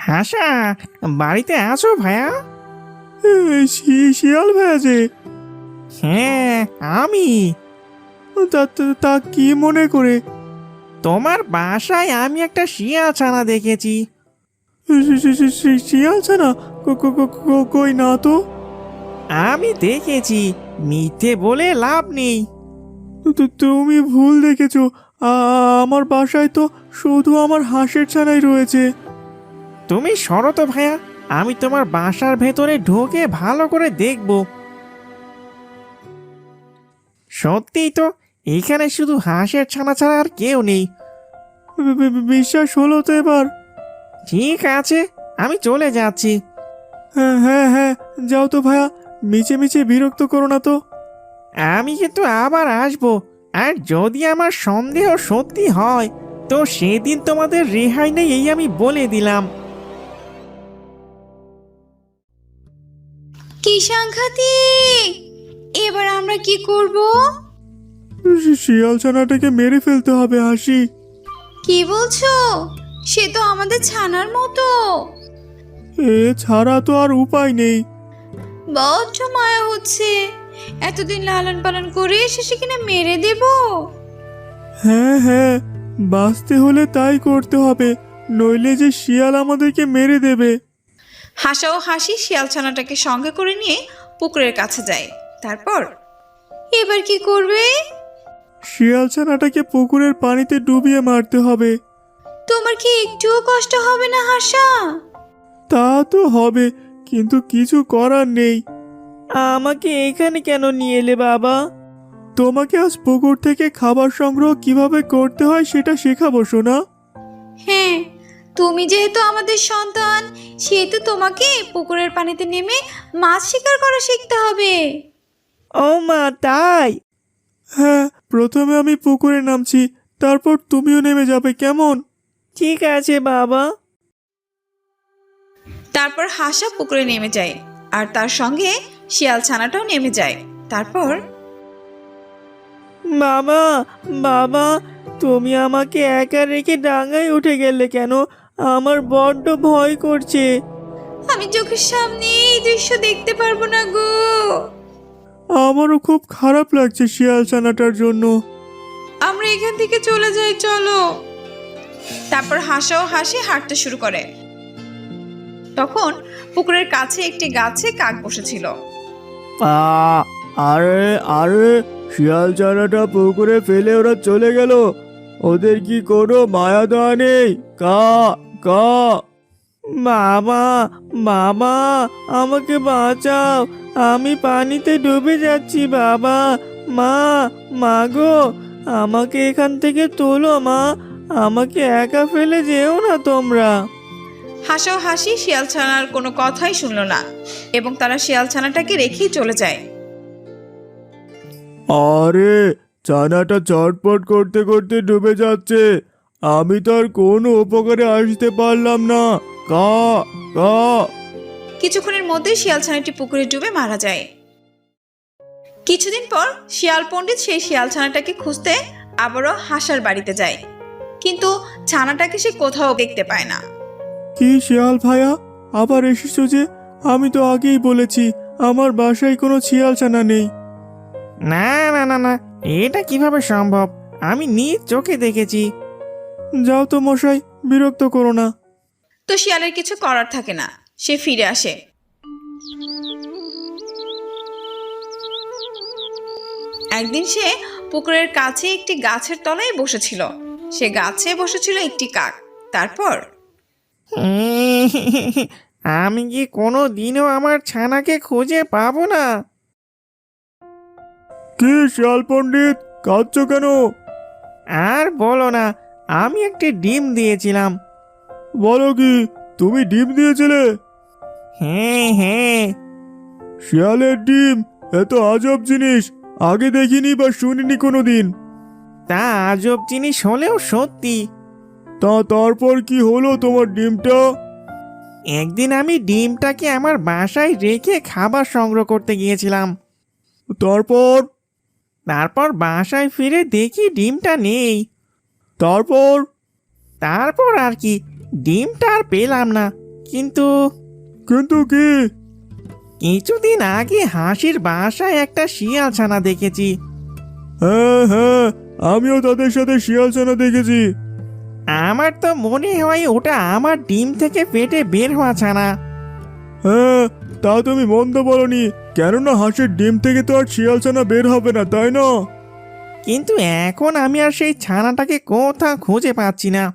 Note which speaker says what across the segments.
Speaker 1: হাসা, বাড়িতে আছো ভাইয়া?
Speaker 2: শিয়াল ভাইয়া যে?
Speaker 1: হ্যাঁ, আমি।
Speaker 2: তা কি মনে করে?
Speaker 1: তোমার বাসায় আমি একটা শিয়াল ছানা দেখেছি।
Speaker 2: শিয়াল ছানা? কই না তো।
Speaker 1: আমি দেখেছি, মিথ্যে বলে লাভ নেই।
Speaker 2: তুমি ভুল দেখেছো। আমার বাসায় তো শুধু আমার হাঁসের ছানাই রয়েছে।
Speaker 1: তুমি সরো তো ভাইয়া, আমি তোমার বাসার ভেতরে ঢোকে ভালো করে দেখব। সত্যিই তো, এখানে শুধু হাঁসের ছানা ছাড়া আর কেউ নেই।
Speaker 2: বিশ্বাস হলো তো এবার?
Speaker 1: ঠিক আছে, আমি চলে যাচ্ছি।
Speaker 2: হ্যাঁ হ্যাঁ হ্যাঁ, যাও তো ভাইয়া, মিছে মিছে বিরক্ত করো না তো।
Speaker 1: আমি কিন্তু আবার আসবো, আর যদি আমার সন্দেহ সত্যি হয় তো সেদিন তোমাদের রেহাই নেই, এই আমি বলে দিলাম।
Speaker 3: কি সাংঘাতিক! এবার আমরা কি করব?
Speaker 2: শিয়াল ছানাটাকে মেরে ফেলতে হবে হাসি।
Speaker 3: কি বলছো? সে তো আমাদের ছানার মতো।
Speaker 2: এ ছাড়া তো আর উপায় নেই।
Speaker 3: বড্ড মায়া হচ্ছে, এতদিন লালন পালন করে শেষে কিনা মেরে দেব।
Speaker 2: হ্যাঁ হ্যাঁ, বাঁচতে হলে তাই করতে হবে, নইলে যে শিয়াল আমাদেরকে মেরে দেবে।
Speaker 3: হাসা ও হাসি শিয়াল ছানাটাকে সঙ্গে করে নিয়ে পুকুরের কাছে যায়। তারপর এবার কি করবে?
Speaker 2: শিয়াল ছানাটাকে পুকুরের পানিতে ডুবিয়ে মারতে হবে।
Speaker 3: তোমার কি একটুও কষ্ট হবে না হাসা?
Speaker 2: তা তো হবে, কিন্তু কিছু করার নেই।
Speaker 1: আমাকে এখানে কেন নিয়ে এলে বাবা?
Speaker 2: তোমাকে আজ পুকুর থেকে খাবার সংগ্রহ কিভাবে করতে হয় সেটা শেখাবো সোনা।
Speaker 3: হ্যাঁ, তুমি যেহেতু আমাদের সন্তান, সেহেতু তোমাকে পুকুরের পানিতে নেমে মাছ শিকার করা শিখতে হবে।
Speaker 1: ও মা, তাই?
Speaker 2: হ্যাঁ, প্রথমে আমি পুকুরে নামছি, তারপর তুমিও নেমে যাবে, কেমন?
Speaker 1: ঠিক আছে বাবা।
Speaker 3: তারপর হাসা পুকুরে নেমে যায়, আর তার সঙ্গে শিয়াল ছানাটাও নেমে যায়। তারপর
Speaker 1: বাবা, বাবা, তুমি আমাকে একা রেখে ডাঙায় উঠে গেলে কেন? আমার বড্ড ভয় করছে।
Speaker 3: আমি চোখের সামনে এই দৃশ্য দেখতে পারবো না গো।
Speaker 2: আমারও খুব খারাপ লাগছে শিয়াল ছানাটার জন্য।
Speaker 3: আমরা এখান থেকে চলে যাই, চলো। তারপর হাসা ও হাসি হাঁটতে শুরু করে। তখন পুকুরের কাছে একটি গাছে কাক বসেছিল।
Speaker 2: আরে আরে, শিয়াল ছানাটা পুকুরে ফেলে ওরা চলে গেল, ওদের কি কোনো মায়া দয়া নেই? কা কা।
Speaker 1: বাবা, বাবা, আমাকে বাঁচাও, আমি পানিতে ডুবে যাচ্ছি বাবা। মা, মা গো, আমাকে এখান থেকে তোলো মা, আমাকে একা ফেলে যেও না তোমরা।
Speaker 3: হাসা ও হাসি শিয়াল ছানার কোনো কথাই শুনলো না, এবং তারা শিয়াল ছানাটাকে রেখেই চলে যায়।
Speaker 2: আরে, ছানাটা চটপট করতে করতে ডুবে যাচ্ছে, আমি তো আর কোনো উপকারে আসতে পারলাম না। কা কা।
Speaker 3: কিছুক্ষণের মধ্যেই শিয়াল ছানাটি পুকুরে ডুবে মারা যায়। কিছুদিন পর শিয়াল পণ্ডিত সেই শিয়াল ছানাটাকে খুঁজতে আবারও হাসার বাড়িতে যায়, কিন্তু ছানাটাকে সে কোথাও দেখতে পায় না।
Speaker 2: কি শিয়াল ভাইয়া, আবার এসেছো যে? আমি তো আগেই বলেছি আমার বাসায় কোনো শিয়াল ছানা নেই।
Speaker 1: না না না না, এটা কিভাবে সম্ভব? আমি নিজ চোখে দেখেছি।
Speaker 2: যাও তো মশাই, বিরক্ত করো না।
Speaker 3: তো শিয়ালের কিছু করার থাকে না, সে ফিরে আসে। একদিন সে পুকুরের কাছে একটি গাছের তলায় বসেছিল। সে গাছে বসেছিল একটি কাক। তারপর
Speaker 1: আমি কি কোনো দিনও আমার ছানাকে খুঁজে পাবো না?
Speaker 2: কি শিয়াল পণ্ডিত, কাঁদছো কেন?
Speaker 1: আর বলো না, আমি একটি ডিম দিয়েছিলাম।
Speaker 2: বলো কি, তুমি ডিম দিয়েছিলে?
Speaker 1: হ্যাঁ হ্যাঁ।
Speaker 2: শিয়ালের ডিম? এত আজব জিনিস, আগে দেখিনি বা শুনিনি কোনোদিন।
Speaker 1: তা আজব জিনিস হলেও সত্যি।
Speaker 2: তারপর কি হলো তোমার ডিমটা?
Speaker 1: একদিন আমি ডিমটাকে আমার বাসায় রেখে খাবার সংগ্রহ করতে গিয়েছিলাম।
Speaker 2: তারপর?
Speaker 1: তারপর বাসায় ফিরে দেখি ডিমটা নেই।
Speaker 2: তারপর?
Speaker 1: তারপর আর কি, ডিমটা আর পেলাম না। কিন্তু
Speaker 2: কিন্তু কি?
Speaker 1: কিছুদিন আগে হাসির বাসায় একটা শিয়াল ছানা দেখেছি।
Speaker 2: হ্যাঁ হ্যাঁ, আমিও তাদের সাথে শিয়াল ছানা দেখেছি।
Speaker 1: আমার তো মনে হয় ওটা আমার ডিম থেকে পেটে বের হওয়া ছানা।
Speaker 2: হ্যাঁ, তা তুমি মন্দ বলনি, কেননা হাঁসের ডিম থেকে তো আর শিয়াল ছানা বের হবে না, তাই না?
Speaker 1: কিন্তু এখন আমি আর সেই ছানাটাকে কোথাও খুঁজে পাচ্ছি না।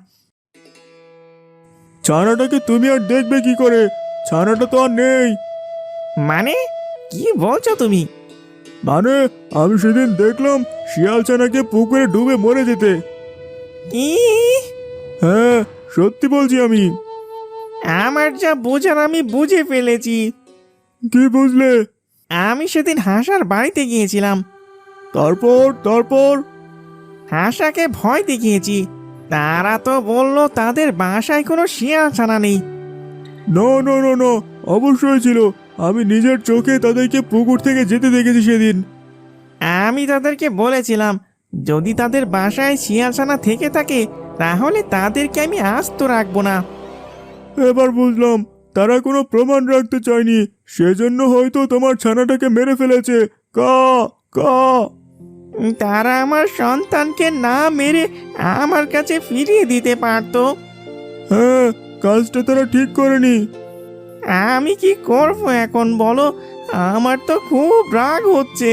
Speaker 2: ছানাটাকে তুমি আর দেখবে কি করে? ছানাটা তো আর নেই।
Speaker 1: মানে কি বলছো তুমি?
Speaker 2: মানে আমি সেদিন দেখলাম শিয়াল ছানাকে পুকুরে ডুবে মরে যেতে।
Speaker 1: কি?
Speaker 2: হ্যাঁ, সত্যি বলছি আমি।
Speaker 1: আমার যা বোঝার আমি বুঝে ফেলেছি।
Speaker 2: কি বুঝলে?
Speaker 1: আমি সেদিন হাসার বাড়িতে গিয়েছিলাম।
Speaker 2: তারপর তারপর
Speaker 1: হাসাকে ভয় দেখিয়েছি। তারা তো বললো তাদের বাসায় কোনো শিয়াল ছানা নেই।
Speaker 2: নো নো নো নো, অবশ্যই ছিল। আমি নিজের চোখে তাদেরকে পুকুর থেকে যেতে দেখেছি সেদিন।
Speaker 1: আমি তাদেরকে বলেছিলাম যদি তাদের বাসায় শিয়াল ছানা থেকে থাকে তাহলে তাদেরকে আমি আস্ত রাখবো না।
Speaker 2: এবার বুঝলাম তারা কোনো প্রমাণ রাখতে চায়নি, সেজন্য হয়তো তোমার ছানাটাকে মেরে ফেলেছে। কা কা
Speaker 1: তারা আমার সন্তানকে না মেরে আমার কাছে ফিরিয়ে দিতে পারতো।
Speaker 2: হ্যাঁ, কাজটা তারা ঠিক করেনি।
Speaker 1: আমি কি করব এখন বলো? আমার তো খুব রাগ হচ্ছে।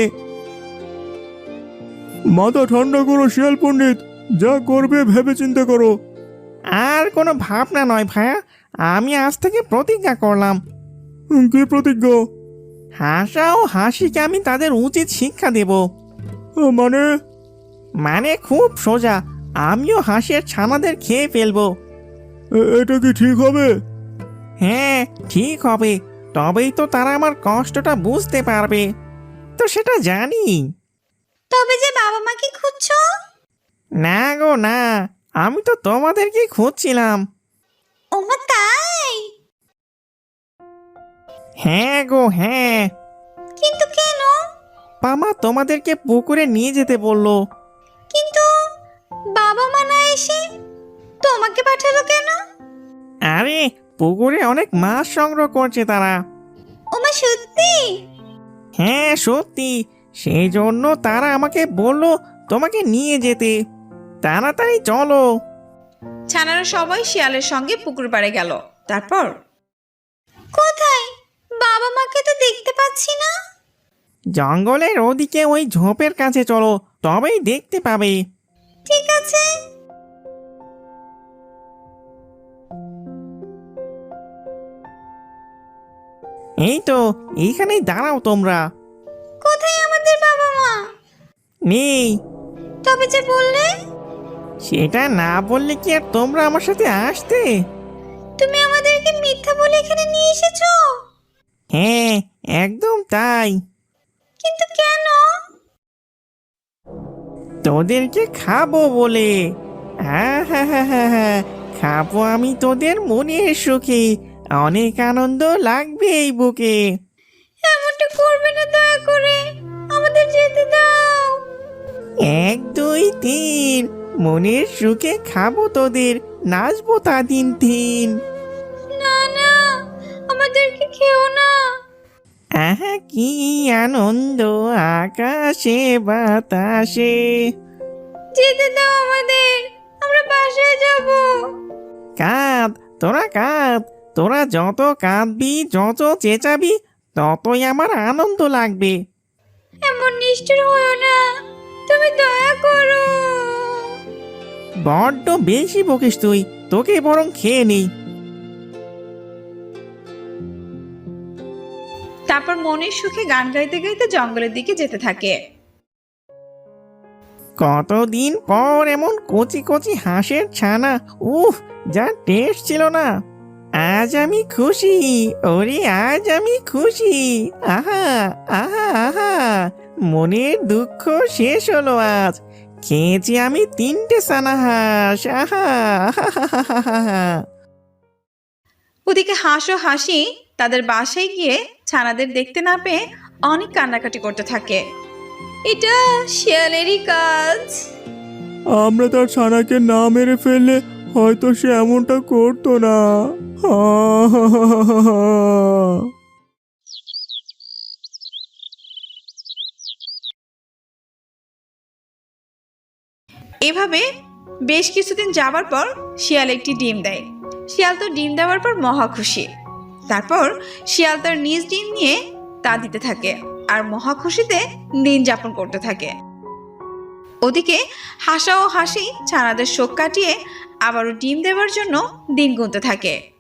Speaker 2: মাথা ঠান্ডা করো শিয়াল পণ্ডিত, যা করবে ভেবে চিন্তা করো।
Speaker 1: আর কোনো ভাবনা নয় ভাইয়া, আমি আজ থেকে প্রতিজ্ঞা করলাম
Speaker 2: কি প্রতিজ্ঞা?
Speaker 1: হাসা ও হাসিকে আমি তাদের উচিত শিক্ষা দেব।
Speaker 2: মানে?
Speaker 1: মানে খুব সোজা, আমিও হাসির ছানাদের খেয়ে ফেলবো।
Speaker 2: এটা কি ঠিক হবে?
Speaker 1: হ্যাঁ ঠিক হবে, তবেই তো তারা আমার কষ্টটা বুঝতে পারবে। তো সেটা জানি।
Speaker 3: তবে যে বাবা মাকে খুঁজছো?
Speaker 1: না গো না, আমি তো তোমাদেরকে খুঁজছিলাম।
Speaker 3: ওমা তাই?
Speaker 1: হ্যাঁ গো হ্যাঁ।
Speaker 3: কিন্তু কেন?
Speaker 1: মামা তোমাদেরকে পুকুরে নিয়ে যেতে বললো।
Speaker 3: কিন্তু বাবা মা না এসে তোমাকে পাঠালো কেন?
Speaker 1: আরে পুকুরে অনেক মাছ সংগ্রহ করছে তারা।
Speaker 3: ওমা সত্যি?
Speaker 1: হ্যাঁ সত্যি, সেই জন্য তারা আমাকে বললো তোমাকে নিয়ে যেতে। তাড়াতাড়ি চলো।
Speaker 3: ছানারা সবাই শিয়ালের সঙ্গে পুকুর পাড়ে গেল। তারপর কোথায়? বাবা মাকে তো দেখতে পাচ্ছি না।
Speaker 1: জঙ্গলের ওদিকে ওই ঝোপের কাছে চলো, তবেই দেখতে পাবে।
Speaker 3: ঠিক আছে।
Speaker 1: এই তো, এইখানেই দাঁড়াও তোমরা।
Speaker 3: কোথায় আমাদের বাবা মা?
Speaker 1: নেই।
Speaker 3: তবে যে বললে।
Speaker 1: সেটা না বললে কি আর তোমরা আমার সাথে আসতে?
Speaker 3: তুমি আমাদেরকে মিথ্যা বলে এখানে নিয়ে এসেছো?
Speaker 1: হ্যাঁ একদম তাই।
Speaker 3: কিন্তু কেন?
Speaker 1: তোদেরকে খাবো বলে। হ্যাঁ হ্যাঁ হ্যাঁ হ্যাঁ হ্যাঁ, খাবো আমি তোদের মনের সুখে। অনেক আনন্দ লাগবে এই বুকে।
Speaker 3: এমনটা করবে না, দয়া করে আমাদের যেতে দাও।
Speaker 1: 1 2 3, মনের সুখে খাবো তোদের, নাচবো তা দিন দিন।
Speaker 3: না না, আমাদেরকে খেও না।
Speaker 1: আহা কি আনন্দ আকাশে বাতাসে।
Speaker 3: যেতে দাও আমাদের, আমরা বাসায় যাব।
Speaker 1: কাঁদ তোরা কাঁদ, তোরা যত কাঁদবি যত চেঁচাবি ততই আমার আনন্দ লাগবে।
Speaker 3: এমন নিষ্ঠুর হয়ো না, তুমি দয়া করো।
Speaker 1: বড্ড বেশি বকিস তুই, তোকে বরং খেয়ে নেই।
Speaker 3: তারপর মনের সুখে গান গাইতে গাইতে জঙ্গলের দিকে যেতে থাকে।
Speaker 1: কতদিন পর এমন কচি কচি হাঁসের ছানা, উফ যা টেস্ট ছিল না। আজ আমি খুশি, ওরে আজ আমি খুশি। আহা আহা আহা, মনের দুঃখ শেষ হলো আজ। খেয়েছি আমি 3টে ছানা হাঁস। আহা আহা হা হা হা হা।
Speaker 3: ওদিকে হাঁস ও হাসি তাদের বাসায় গিয়ে ছানাদের দেখতে না পেয়ে অনেক কান্নাকাটি করতে থাকে। এটা শিয়ালেরই কাজ।
Speaker 2: আমরা তার ছানাকে না মেরে ফেললে হয়তো সে এমনটা করতো না।
Speaker 3: এভাবে বেশ কিছুদিন যাবার পর শিয়াল একটি ডিম দেয়। শিয়াল তো ডিম দেওয়ার পর মহা খুশি। তারপর শিয়াল তার নিজ ডিম নিয়ে তা দিতে থাকে আর মহা খুশিতে দিন যাপন করতে থাকে। ওদিকে হাসা ও হাসি ছানাদের শোক কাটিয়ে আবারও ডিম দেওয়ার জন্য দিন গুনতে থাকে।